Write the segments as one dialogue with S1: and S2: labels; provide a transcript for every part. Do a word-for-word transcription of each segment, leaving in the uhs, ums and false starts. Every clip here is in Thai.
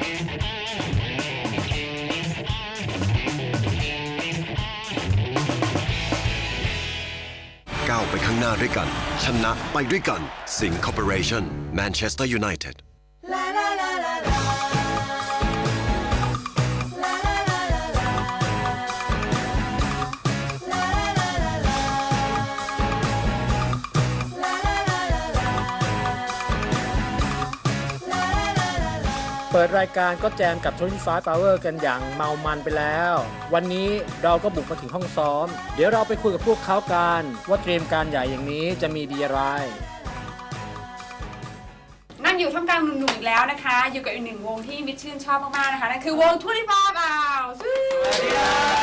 S1: ก้าวไปข้างหน้าด้วยกันชนะไปด้วยกันสิงห์คอร์ปอเรชั่นแมนเชสเตอร์ยูไนเต็ด
S2: เปิดรายการก็แจมกับยี่สิบห้า Power กันอย่างเมามันไปแล้ว วันนี้เราก็บุกมาถึงห้องซ้อมเดี๋ยวเราไปคุยกับพวกเขากันว่าเตรียมการใหญ่อย่างนี้จะมีดีอะไร
S3: นั่งอยู่ท่ามกลางหนุ่มๆอีกแล้วนะคะอยู่กับอีกหนึ่งวงที่มิตรชื่นชอบมากๆนะคะนั่นคือวงทูริฟอร์บาวสวัสดี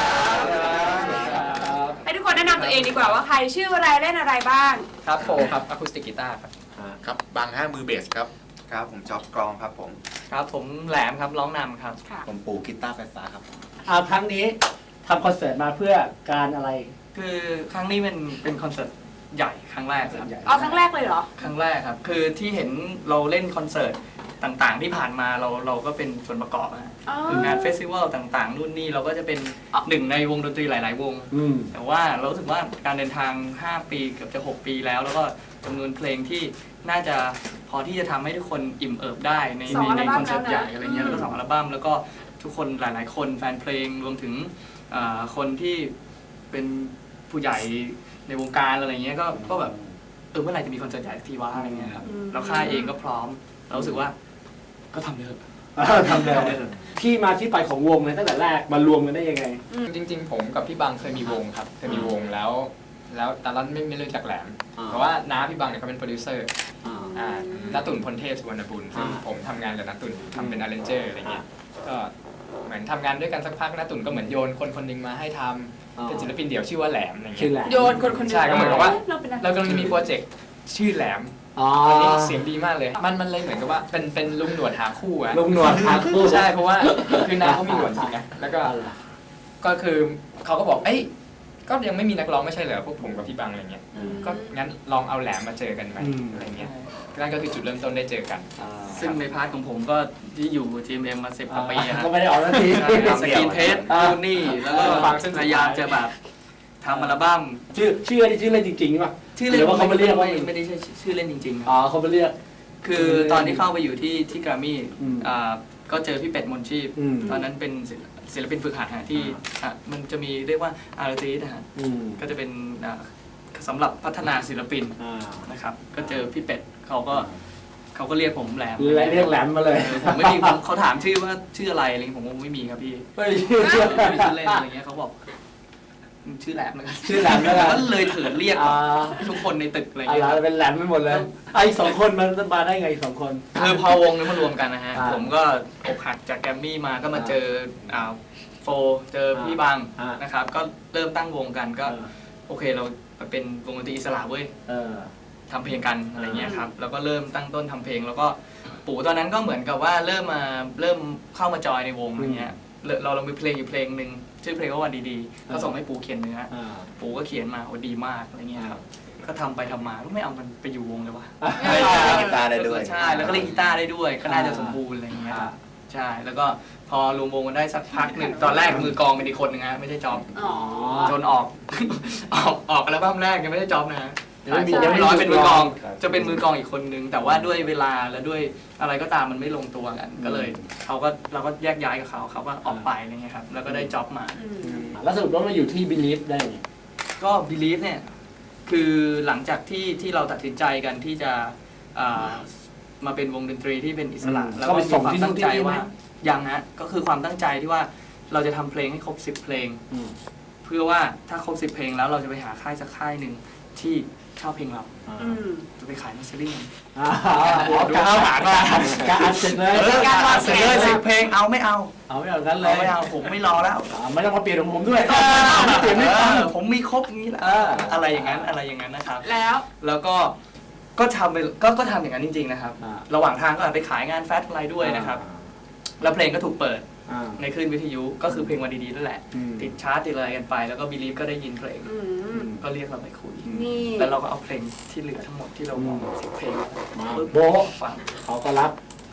S3: ครับให้ทุกคนแนะนำตัวเองดีกว่าว่าใครชื่ออะไรเล่นอะไรบ้าง
S4: ครับโฟครับอะคูสติกกีตาร์ครับ
S5: ครับบางห้ามือเบสครับครับผมจ๊อบกลองครับผม
S4: ครับผมแหลมครับร้องนำครับ
S5: ผมปูกีตาร์ไฟฟ้าครับ
S2: เอาครั้งนี้ทำคอนเสิร์ตมาเพื่อการอะไร
S4: คือครั้งนี้เป็นเป็นคอนเสิร์ตใหญ่ครั้งแรกครับ
S3: อ๋อครั้งแรกเลยเหรอ
S4: ครั้งแรกครับคือที่เห็นเราเล่นคอนเสิร์ตต่างๆที่ผ่านมาเราเราก็เป็นส่วนประกอบนะคืองานเฟสติวัลต่างๆนู่นนี่เราก็จะเป็นหนึ่งในวงดนตรีหลายๆวงแต่ว่าเรารู้สึกว่าการเดินทางห้าปีเกือบจะหกปีแล้วแล้วก็จำนวนเพลงที่น่าจะพอที่จะทำให้ทุกคนอิ่มเอิบได้ในในคอนเสิร์ตใหญ่อะไรเงี้ยแล้วก็สองอัลบั้มแล้วก็ทุกคนหลายๆคนแฟนเพลงรวมถึงคนที่เป็นผู้ใหญ่ในวงการอะไรเงี้ยก็ก็แบบเออเมื่อไหร่จะมีคอนเสิร์ตใหญ่ทีวะอะไรเงี้ยครับแล้วค่ายเองก็พร้อมเรารู้สึกว่าก็ทำเลย
S2: ทำเลยที่มาที่ไปของวงเลยตั้งแต่แรกมารวมกันได้ยังไง
S6: จริงๆผมกับพี่บังเคยมีวงครับเคยมีวงแล้วแล้วตอนนั้นไม่ไม่รู้จักแหลมเพราะว่าน้าพี่บังเนี่ยเขาเป็นโปรดิวเซอร์ณตุ่นพลเทพสุวรรณบุญซึ่งผมทำงานกับณตุ่นทำเป็นอาร์เรนเจอร์อะไรเงี้ยก็เหมือนทำงานด้วยกันสักพักณตุ่นก็เหมือนโยนคนคนหนึ่งมาให้ทำเป็นศิลปินเดี่ยวชื่อว่าแหลมอะไรเงี้ย
S3: โยนคนคนนึง
S6: ใช่ก็เหมือนกับว่าเรากำลังมีโปรเจกต์ชื่อแหลมตอนนี้เสียงดีมากเลยมันมันเลยเหมือนกับว่าเป็นเป็นลุงหนวดหาคู่อะ
S2: ลุงหนวดหาคู่
S6: ใช่เพราะว่าคือน้าเขามีหนวดจริงนะแล้วก็ก็คือเขาก็บอกเอ้ยก็ยังไม่มีนักร้องไม่ใช่เหรอพวกผมกับพี่บังอะไรเงี้ยก็งั้นลองเอาแหลมมาเจอกันไหมอะไรเงี้ยนั่นก็คือจุดเริ่มต้นได้เจอกัน
S4: ซึ่งในพาร์ทของผมก็ที่อยู่ ที เอ็ม เอ็ม มาสิบกว่าปี
S2: ก็ไม่ได้ออกนาที
S4: สกินเทสนู่นนี่แล้วก็พยายามจะแบบทำอัลบั้ม
S2: ชื่อชื่อชื่อเล่นจริงๆป่ะ
S4: ชื่อเล่น
S2: ว่าเขาไม่เรียกว่า
S4: ไม่ได้ใช่ชื่อเล่นจริงๆ
S2: อ๋อเขาไม่เรียก
S4: คือตอนที่เข้าไปอยู่ที่ที่แกรมมี่ก็เจอพี่เป็ดมนชีพตอนนั้นเป็นศิลปินฝึกหัดที่มันจะมีเรียกว่าอาร์ติสต์นะฮะก็จะเป็นสำหรับพัฒนาศิลปินนะครับก็เจอพี่เป็ดเขาก็เขาก็เรียกผมแหลม
S2: เรียกแหลมมาเลย
S4: ผมไม่มีเขาถามชื่อว่าชื่ออะไรอะไรผมไม่มีครับพี่
S2: ไม่มีชื่อ
S4: เล่นอะไรเงี้ยเขาบอกชื่อแหลมนะครับ
S2: ชื่อแหลมแล้ว
S4: ก็เลยเถิดเรียกทุกคนในตึกอะไรเงี้ย
S2: เป็นแหลมไปหมดเลยไอ้สองคนมันมาได้ไงสองคน
S4: คือพอวงนี้มารวมกันนะฮะผมก็อกหักจากแกรมมี่มาก็มาเจอโฟเจอพี่บังนะครับก็เริ่มตั้งวงกันก็โอเคเราเป็นวงดนตรีอิสระเว้ยทำเพลงกันอะไรเงี้ยครับแล้วก็เริ่มตั้งต้นทำเพลงแล้วก็ปู่ตอนนั้นก็เหมือนกับว่าเริ่มมาเริ่มเข้ามาจอยในวงอะไรเงี้ยเราเรามีเพลงอยู่เพลงหนึ่งชื่อเพลงว่าวันดีๆเขาส่งให้ปู่เขียนเนื้อปู่ก็เขียนมาโอ้ดีมากอะไรเงี้ยครับก็ทำไปทำมาก็ไม่เอามันไปอยู่วงเลยวะ
S5: เล่นกีตาร์ได้ด้วย
S4: ใช่แล้วก็เล่นกีตาร์ได้ด้วยก็น่าจะสมบูรณ์อะไรเงี้ยใช่แล้วก็พอรวมวงกันได้สักพักหนึ่งตอนแรกมือกลองเป็นอีกคนนึงนะไม่ใช่จอมจนออกออกออกอัลบั้มแรกยังไม่ได้จอมนะยังไม่ร้อยเป็นมือกลองจะเป็นมือกลองอีกคนนึงแต่ว่าด้วยเวลาและด้วยอะไรก็ตามมันไม่ลงตัวกันก็เลยเขาก็เราก็แยกย้ายกับเขาเขาก็ออกไปอะไรเงี้ยครับแล้วก็ได้จ็อบมา
S2: แล้วสรุปว่ามาอยู่ที่ Believe ได้ไง
S4: ก็ Believe เนี่ยคือหลังจากที่ที่เราตัดสินใจกันที่จะมาเป็นวงดนตรีที่เป็นอิสระแล้วก็มีความตั้งใจว่ายังฮะก็คือความตั้งใจที่ว่าเราจะทำเพลงให้ครบสิบเพลงเพื่อว่าถ้าครบสิบเพลงแล้วเราจะไปหาค่ายสักค่ายหนึ่งที่ชอบเพลงเราจะไปขายมัสซิลิ่ง
S2: การหาการเสร็จเลย
S4: การมาเสร็จเลยสิบเพลงเอาไม่เอา
S2: เอาไม่เอากันเลย
S4: ไม่เอาผมไม่รอแล้ว
S2: ไม่ต้องมาเปลี่ยนของผมด้วยไม่เปลี่ยนไม่ฟัง
S4: ผมมีครบงี้แหละอะไรอย่างนั้นอะไรอย่างนั้นนะครับ
S3: แล้ว
S4: แล้วก็ก็ทำไปก็ก็ทำอย่างนั้นจริงๆนะครับระหว่างทางก็ไปขายงานแฟชั่นอะไรด้วยนะครับแล้วเพลงก็ถูกเปิดในคลื่นวิทยุก็คือเพลงวันดีๆนั่นแหละติดชาร์ตติดอะไรกันไปแล้วก็บีลีฟก็ได้ยินเพลงก็เรียกเราไปคุยแล้วเราก็เอาเพลงที่เหลือทั้งหมดที่เรามองสิบเพลง
S2: โบ๊ะ
S4: ฟัง
S2: เขาก็รับ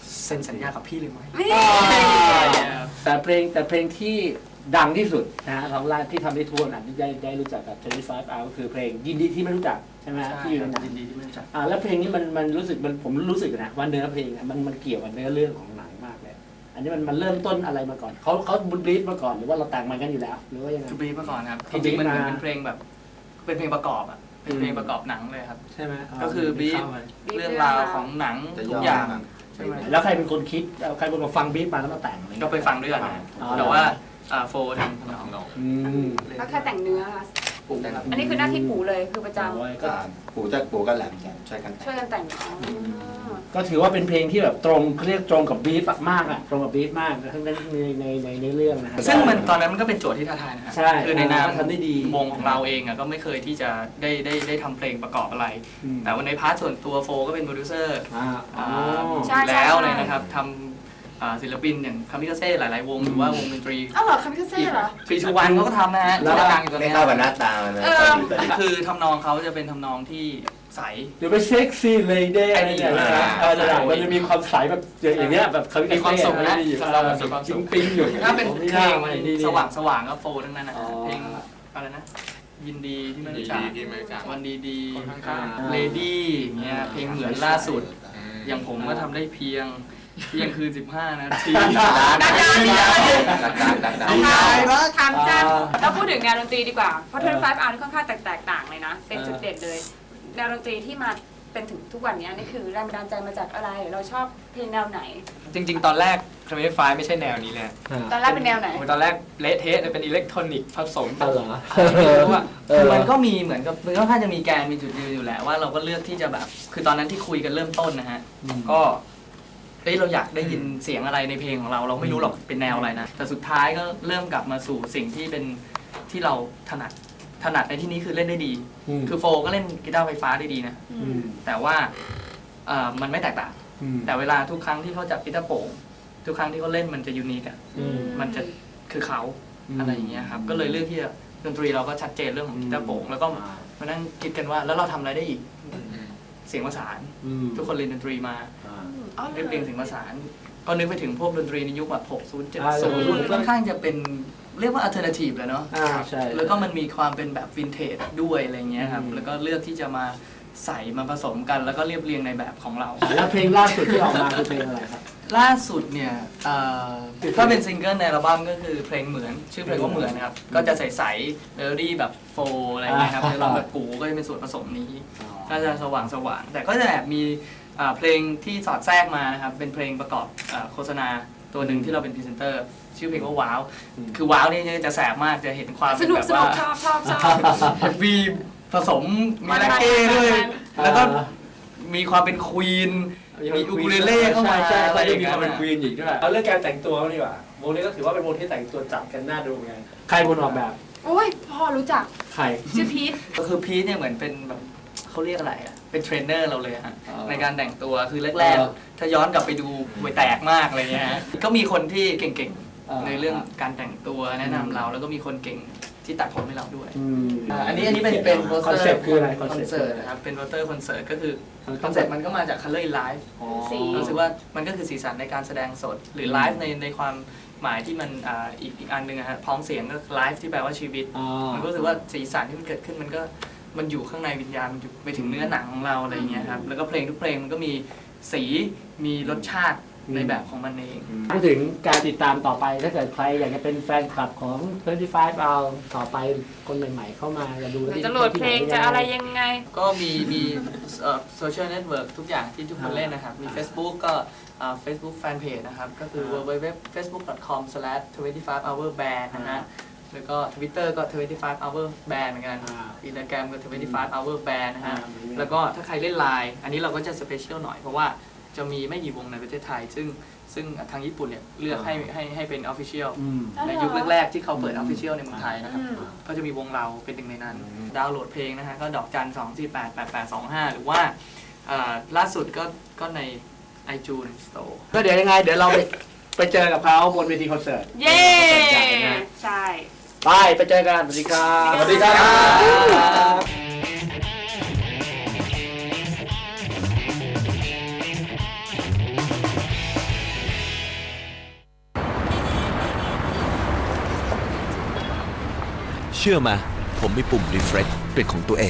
S4: เซ็นสัญญากับพี่เลยไหม
S3: นี่
S2: แต่เพลงแต่เพลงที่ดังที่สุดนะฮะของร้านที่ทำได้ทั่วนะที่ได้ได้รู้จักกับยี่สิบห้า hour ก็คือเพลงยินดีที่ไม่รู้จักใช่ไหมฮะที่อยู่ในหนัง
S4: ยินดีที่ไม่รู้จัก
S2: อ่าแล้วเพลงนี้มันมันรู้สึกมันผมรู้สึกนะว่าเนื้อเพลงอะมันมันเกี่ยวกับเนื้อเรื่องของหนังมากเลยอันนี้มันมันเริ่มต้นอะไรมาก่อนเขาเขาบลีฟมาก่อนหรือว่าเราแต่งมากันอยู่แล้วหรือว่ายังไง
S4: ทูบีมาก่อนครับ
S2: เขา
S4: จริงๆมันเหมือน
S2: บีบมา
S4: เป็นเพลงแบบเป็นเพลงประกอบอ่ะเป็นเพลงประกอบหนังเลยครับ
S2: ใช่ไหม
S4: ก็คือบีฟเรื่องราวของหนังทุกอย่างใช่ไหม
S2: แล้วใครเป็นคนคิดเอาใครเป็นคนมาฟังบีฟมาแล้วมาแต่งอะไร
S4: ก็ไปฟังด้วยกันนะ
S2: อ๋อ
S4: แต่ว่าอ่าโฟทำทำนอง
S2: อืม
S3: แล้วแค่แต่งเนื้อค่ะ
S5: ปลูกครับ
S3: อันนี้คือหน้าที่ปู่เลยคือประจ
S2: โอ้ยก็
S5: ปลูกจะปลูกก็แหลมกันช่วยกัน
S3: ำช่วยกันแต่งอ๋อ
S2: ก็ถือว่าเป็นเพลงที่แบบตรงเขาเรียกตรงกับบีฟมากอะตรงกับบีฟมากทั้งในในในในในเรื่องนะฮะ
S4: ซึ่งมันตอนนั้นมันก็เป็นโจทย์ที่ท้าทายนะครับ
S2: ใช่
S4: คือในนาม
S2: ทำได้ดี
S4: วงของเราเองอ่ะก็ไม่เคยที่จะได้ได้ได้ทำเพลงประกอบอะไร
S2: อืม
S4: แต่ว่าในพาร์ทส่วนตัวโฟก็เป็นโปรดิวเซอร์
S2: อ่าอ๋อ
S3: ใช่
S4: แล้วเลยนะครับทำอ่าศิลปินอย่างคามิกาเซ่หลาย ๆ วงหรือว่าวงดนตรี
S3: อ้าวเหรอคามิคาเซ่เหรอ
S4: ทรีชูวันเขาก็ทำนะฮะ
S2: แล้ว
S4: ที่ดังอยู่ตอน
S5: ไม่
S4: นี้
S5: เข้ากับหน้าตามันเลย
S3: เออ
S5: ตอนนี้
S4: คือทำนองเขาจะเป็นทำนองที่ใส
S2: เดี๋ยวไปเซ็กซี่เลยเด้อะไรอย่างเงี้ย
S5: อ่า
S2: นะเออระดับมันจะมีความใสแบบอย่างเงี้ยแบบเขา
S4: มีความสุขนะ
S2: เอ
S4: เรา
S2: อ
S4: แบบมีความสุ
S2: ปิ๊
S4: ข
S2: งปิ๊งอยู่
S4: ถ้าเป็นเพลง
S2: ดีๆ
S4: สว่างสว่างๆก็โฟทั้งนั้นนะ
S2: อ๋อ
S4: เพลงอะไรนะ ยินดีที่ไม่รู้จัก
S6: ยินดีที่ไม่รู้จัก
S4: วันดีดี
S6: คนข้าง
S2: ๆ
S4: เลดี้เงี้ยเพลงเหมือนล่าสุด อย่างผมก็ทำได้เพียงเที่ยงคืนสิบห้านาที
S5: ดักดักดักดัก
S3: ทำจ้าแล้วพูดถึงแนวดนตรีดีกว่า เพราะยี่สิบห้า hour นี่ค่อนข้างแตกต่างเลยนะ เป็นจุดเด่นเลย แนวดนตรีที่มาเป็นถึงทุกวันนี้นี่คือแรงบันดาลใจมาจากอะไร เราชอบเพลงแนวไหน
S6: จริง ๆ ตอนแรกคาเมไฟไม่ใช่แนวนี้เลย
S3: ตอนแรกเป็นแนวไหน
S6: โอ้ยตอนแรกเละเทะเลยเป็นอิเล็กทรอนิกส์ผสม
S2: เออเหรอ
S6: ไม่รู้อะ
S4: คือมันก็มีเหมือนกับมันก็ค่อนข้างจะมีแกนมีจุดยืนอยู่แหละว่าเราก็เลือกที่จะแบบ คือตอนนั้นที่คุยกันเริ่มต้นนะฮะ ก็เฮ้ยเราอยากได้ยินเสียงอะไรในเพลงของเราเราไม่รู้หรอกเป็นแนวอะไรนะแต่สุดท้ายก็เริ่มกลับมาสู่สิ่งที่เป็นที่เราถนัดถนัดในที่นี้คือเล่นได้ดี
S2: อืม
S4: คือโฟก็เล่นกีตาร์ไฟฟ้าได้ดีนะ
S2: อืม
S4: แต่ว่าเอ่อมันไม่แตกต่าง
S2: อืม
S4: แต่เวลาทุกครั้งที่เขาจับกีตาร์โปร่งทุกครั้งที่เขาเล่นมันจะยูนิคอะ
S2: อืม
S4: มันจะคือเขา
S2: อืม
S4: อะไรอย่างเงี้ยครับก็เลยเลือกที่จะดนตรีเราก็ชัดเจนเรื่องของกีตาร์โปร่งแล้วก็มานั่งคิดกันว่าแล้วเราทำอะไรได้อีกเสียงประสาน
S2: อืม
S4: ทุกคนเรียนดนตรีมา
S2: อ่า
S3: อ๋อ
S4: เรียบเรียงเสียงประสาน ก็นึกไปถึงพวกดนตรีในยุคแบบหกสิบ
S2: อ่า
S4: เจ็ดสิบค่อนข้างจะเป็นเรียกว่าอัลเทอร์เนทีฟเลยเนาะ
S2: อ่าใช่
S4: แล้วก็มันมีความเป็นแบบวินเทจด้วยอะไรเงี้ยครับ
S2: อืม
S4: แล้วก็เลือกที่จะมาใส่มาผสมกันแล้วก็เรียบเรียงในแบบของเรา
S2: แล้วเพลงล่าสุดที่ออกมาคือเพลงอะไรครับ
S4: ล่าสุดเนี่ยเอ่อถ้าเป็นซิงเกิลในอัลบั้มก็คือเพลงเหมือน ชื่อเพลงว่าเหมือนนะครับ ก็จะใสๆเมโลดี้แบบโฟล์อะไรเงี้ยครับ
S2: อ่า
S4: ในร้องแบบปูก็จะเป็นส่วนผสมนี้ ก็จะสว่างสว่างๆแต่ก็จะแอบมีอ่าเพลงที่สอดแทรกมานะครับ เป็นเพลงประกอบอ่าโฆษณาตัวหนึ่งที่เราเป็นพรีเซนเตอร์ ชื่อเพลงว่าว้าว คือว้าวนี่จะแสบมากจะเห็นความ
S3: ส
S4: เป็น
S3: นุก
S4: แบบ
S3: สนุ
S4: ว่าก
S3: ชอบชอบชอบ
S4: วีผสมมีแร็กเก้ด้วย แล้วก็มีความเป็นควีน มีอูคูเลเล่เข้ามา
S2: ใช่
S4: อะไร
S2: ใช่
S4: อย่าง
S2: มี
S4: เงี้
S2: ความเป็น
S4: ย
S2: ควีนอีกด้วยเอาเรื่องการแต่งตัวดีกว่าวงนี้ก็ถือว่าเป็นวงที่แต่งตัวจัดกันน่าดูไงใครคนออกแบบ
S3: โอ้ยพ่อรู้จัก
S2: ใคร
S3: ชื่อพีท
S4: ก็คือพีทเนี่ยเหมือนเป็นแบบเขาเรียกอะไรอ่ะ เป็นเทรนเนอร์เราเลยฮะ
S2: อ๋อ
S4: ในการแต่งตัวคือแรก
S2: เออ
S4: ๆ ถ้าย้อนกลับไปดูห่วยแตกมากอะไรเงี้ยฮะก็มีคนที่เก่ง
S2: เออ
S4: ๆ ในเรื่องการแต่งตัวแนะนำเรา แล้วก็มีคนเก่งที่ตัดผมให้เราด้วย
S2: อืม
S4: อ่าอันนี้อันนี้เป็นเป็นโปส
S2: คอน
S4: เตอร์
S2: เซ็ปต์คืออะไร
S4: คอนเสิร์ตนะครับ เป็นโปสเตอร์คอนเสิร์ตก็คือคอนเซ็ปต์มันก็มาจาก Color in Life
S2: อ๋อ
S3: สี
S4: รู้สึกว่ามันก็คือสีสันในการแสดงสด หรือไลฟ์ในในความหมายที่มันอ่าอีกอีกอันหนึ่งอะฮะพ้องเสียงก็ไลฟ์ที่แปลว่าชีวิต
S2: อ๋อ
S4: มันก็รู้สึกว่าสีสันที่มันเกิดขึ้นมันก็มันอยู่ข้างในวิญญาณมันอยู่ไปถึงเนื้อหนังของเราอะไรอย่างเงี้ยครับแล้วก็เพลงทุกเพลงมันก็มีสีมีรสชาติในแบบของมันเอง
S2: พูดถึงการติดตามต่อไปถ้าเกิดใครอยากจะเป็นแฟนคลับของยี่สิบห้า hour ต่อไปคนใหม่ๆเข้ามาจะดู
S3: จะโหลดเพลงจะอะไรยังไง
S4: ก็มีมีโซเชียลเน็ตเวิร์กทุกอย่างที่ทุกคนเล่นนะครับ มี Facebook ก็อ่า Facebook Fanpage นะครับ ก็คือ ดับเบิลยู ดับเบิลยู ดับเบิลยู ดอท เฟซบุ๊ก ดอท คอม สแลช ทเวนตี้ไฟว์ อเวอร์ แบนด์ นะฮะ แล้วก็ Twitter ก็ ทเวนตี้ไฟว์ อเวอร์ แบนด์ เหมือนกัน อินสตาแกรมก็ ทเวนตี้ไฟว์ อเวอร์ แบนด์ นะฮะ แล้วก็ถ้าใครเล่นไลน์อันนี้เราก็จะสเปเชียลหน่อย เพราะว่าจะมีไม่กี่วงในประเทศไทย ซึ่งซึ่งทางญี่ปุ่นเนี่ยเลือกให้ให้ให้เป็น Official
S2: อืม
S4: ในยุคแรกๆที่เขาเปิด Official ในเมืองไทยนะครับ
S3: อืม
S4: ก็จะมีวงเราเป็นหนึ่งในนั้น ดาวน์โหลดเพลงนะฮะ ก็ดอกจันสองสี่แปดแปดแปดสองห้าหรือว่าเอ่อล่าสุดก็ก็ใน iTunes Store
S2: ก็เดี๋ยวยังไง เดี๋ยวเราไปไปเจอกับเขาบนเวทีคอนเสิร์ต
S3: เย้
S2: ใช่นะ
S3: ใช่
S2: ไปไปเจอกัน สวัสดีครับ
S3: สวัสดีครับ
S7: เชื่อมาผมมีปุ่ม refresh เป็นของตัวเอง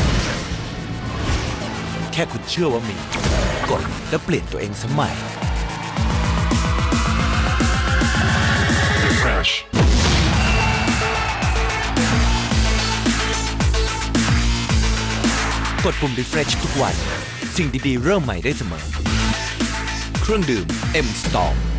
S7: แค่คุณเชื่อว่ามีกดแล้วเปลี่ยนตัวเองสมัย refresh กดปุ่ม refresh ทุกวันสิ่งดีๆเริ่มใหม่ได้เสมอเครื่องดื่ม M Storm